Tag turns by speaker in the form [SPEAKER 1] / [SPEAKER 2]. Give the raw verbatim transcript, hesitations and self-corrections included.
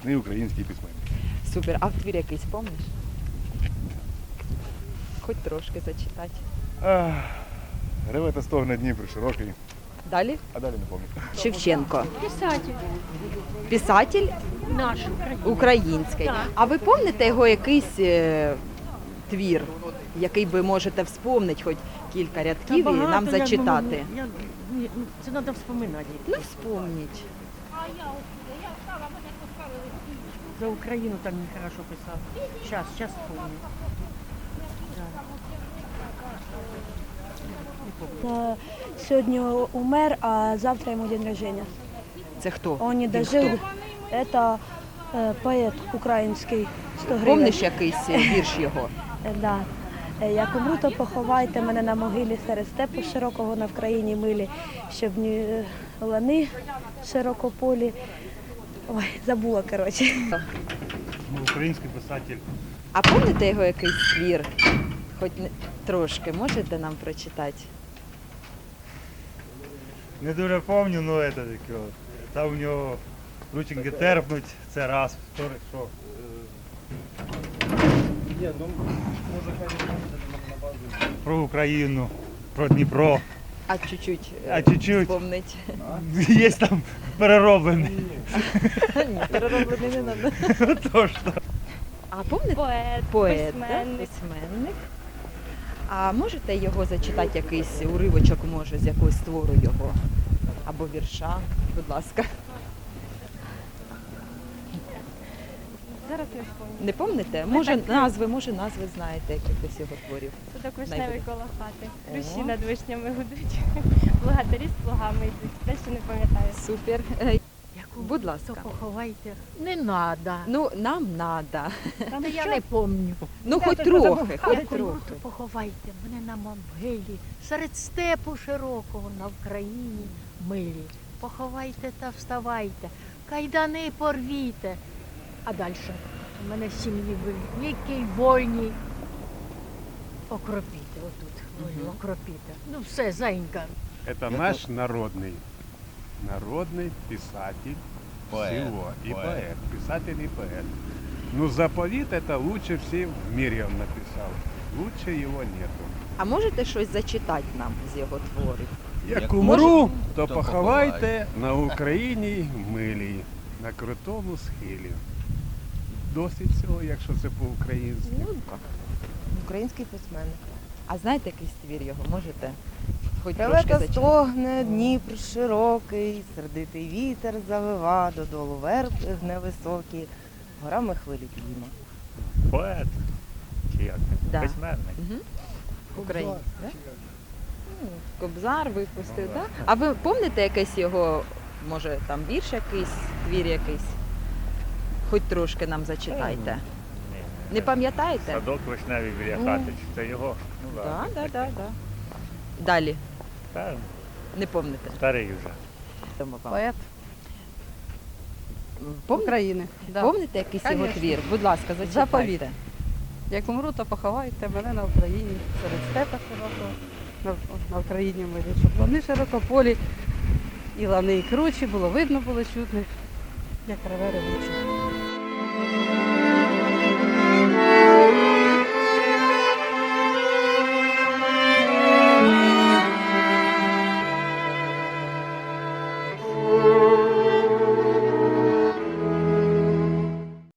[SPEAKER 1] видатний український письменник.
[SPEAKER 2] Супер. А твір якийсь помниш? Хоч трошки зачитати.
[SPEAKER 1] Ах, реве та стогне Дніпр широкий,
[SPEAKER 2] Далі?
[SPEAKER 1] а далі не пам'ятаю.
[SPEAKER 2] Шевченко.
[SPEAKER 3] Писатель
[SPEAKER 2] Писатель
[SPEAKER 3] наш український.
[SPEAKER 2] український.
[SPEAKER 3] Так.
[SPEAKER 2] А ви пам'ятаєте його якийсь е, твір, який ви можете вспомнити хоч кілька рядків і нам
[SPEAKER 3] Багато, я
[SPEAKER 2] зачитати?
[SPEAKER 3] думаю, я- ні, ну, це треба вспоминати.
[SPEAKER 2] Ну, вспомніть.
[SPEAKER 3] За Україну там не хорошо писав. Зараз, зараз вспомню.
[SPEAKER 4] Та сьогодні умер, а завтра йому день рождения.
[SPEAKER 2] Це хто?
[SPEAKER 4] Он не
[SPEAKER 2] Він
[SPEAKER 4] дожил.
[SPEAKER 2] хто?
[SPEAKER 4] Это э, поэт український, сто гривень.
[SPEAKER 2] Помниш якийсь е, вірш його?
[SPEAKER 4] Е, Да. Е, Як умру, то поховайте мене на могилі серед степу широкого на Вкраїні милі, щоб ні лани широкополі. Ой, забула, коротше.
[SPEAKER 5] Український писатель.
[SPEAKER 2] А пам'ятаєте його якийсь твір? Хоч не- трошки можете нам прочитати?
[SPEAKER 5] Не дуже пам'ятаю, ну це таке. от. Там у нього рученьки терпнуть, це раз, вторий, що. е, Про Україну, про Дніпро.
[SPEAKER 2] А чуть-чуть е,
[SPEAKER 5] А чуть-чуть.
[SPEAKER 2] вспомнить.
[SPEAKER 5] Є там перероблений.
[SPEAKER 2] Ні, перероблений не треба.
[SPEAKER 5] Тож то.
[SPEAKER 2] А пам'ятаєте?
[SPEAKER 6] Поет,
[SPEAKER 2] Поет, да?
[SPEAKER 6] письменник.
[SPEAKER 2] Письменник. А можете його зачитати, якийсь уривочок, може, з якогось твору його? Або вірша, будь ласка.
[SPEAKER 6] Зараз я вспомню.
[SPEAKER 2] Не пам'ятаєте? Може назви, може назви знаєте якихось його творів.
[SPEAKER 6] Садок вишневий
[SPEAKER 2] Найбуде.
[SPEAKER 6] коло хати.
[SPEAKER 2] О.
[SPEAKER 6] Руші над вишнями гудуть. Благодарі з плугами йдуть. Те, що не пам'ятаю.
[SPEAKER 2] Супер. Е,
[SPEAKER 3] Яку
[SPEAKER 2] Будь
[SPEAKER 3] то
[SPEAKER 2] ласка.
[SPEAKER 3] поховайте. Не треба.
[SPEAKER 2] Ну, нам надо.
[SPEAKER 3] Та я не пам'ятаю.
[SPEAKER 2] Ну, хоч трохи, хоч трохи.
[SPEAKER 3] То поховайте мене на могилі, серед степу широкого на Вкраїні милі. Поховайте та вставайте, кайдани порвіте. А далі у мене сім'ї великій, вольні. Окропіте, отут, вольні, окропіте. Ну все, зайнька.
[SPEAKER 7] Это наш народный, народный писатель
[SPEAKER 8] Поэт,
[SPEAKER 7] всего. И
[SPEAKER 8] поэт.
[SPEAKER 7] поэт. Писатель и поэт. Ну, заповит это лучше всем в мире он написал. Лучше его нету.
[SPEAKER 2] А можете щось зачитати нам з його творів?
[SPEAKER 7] Як
[SPEAKER 8] Як
[SPEAKER 7] умру, то
[SPEAKER 8] то
[SPEAKER 7] поховайте на Україні милій, на крутому схилі. Досить цього, якщо це по-українськи.
[SPEAKER 2] Ну, український письменник. А знаєте якийсь твір його? Можете? Хоч трошки
[SPEAKER 9] Реве та
[SPEAKER 2] зачитати?
[SPEAKER 9] стогне, Дніпр широкий, сердитий вітер завива, додолу верб гне високий, горами хвилі підійма.
[SPEAKER 5] Поет. Чи як?
[SPEAKER 2] Да.
[SPEAKER 5] Письменник.
[SPEAKER 2] Угу. Український, да? Ну, Кобзар випустив, так? Да? А ви пам'ятаєте якийсь його, може, там вірш якийсь, твір якийсь? Хоч трошки нам зачитайте. Не пам'ятаєте?
[SPEAKER 5] Садок вишневий біля хати. Це його. Ну
[SPEAKER 2] Так, так, так, так. Далі.
[SPEAKER 5] Та,
[SPEAKER 2] Не пам'ятаєте?
[SPEAKER 5] старий вже.
[SPEAKER 10] Поет
[SPEAKER 2] Пом...
[SPEAKER 10] України. Да.
[SPEAKER 2] Пам'ятаєте якийсь його
[SPEAKER 10] Конечно.
[SPEAKER 2] твір? Будь ласка, зачитайте.
[SPEAKER 10] Заповіт. Як умру, то поховайте мене на Україні, серед степа широкого, на, на Україні милі, щоб лани широкополі, і лани, і кручі, було видно, було чутно, як реве ревучі.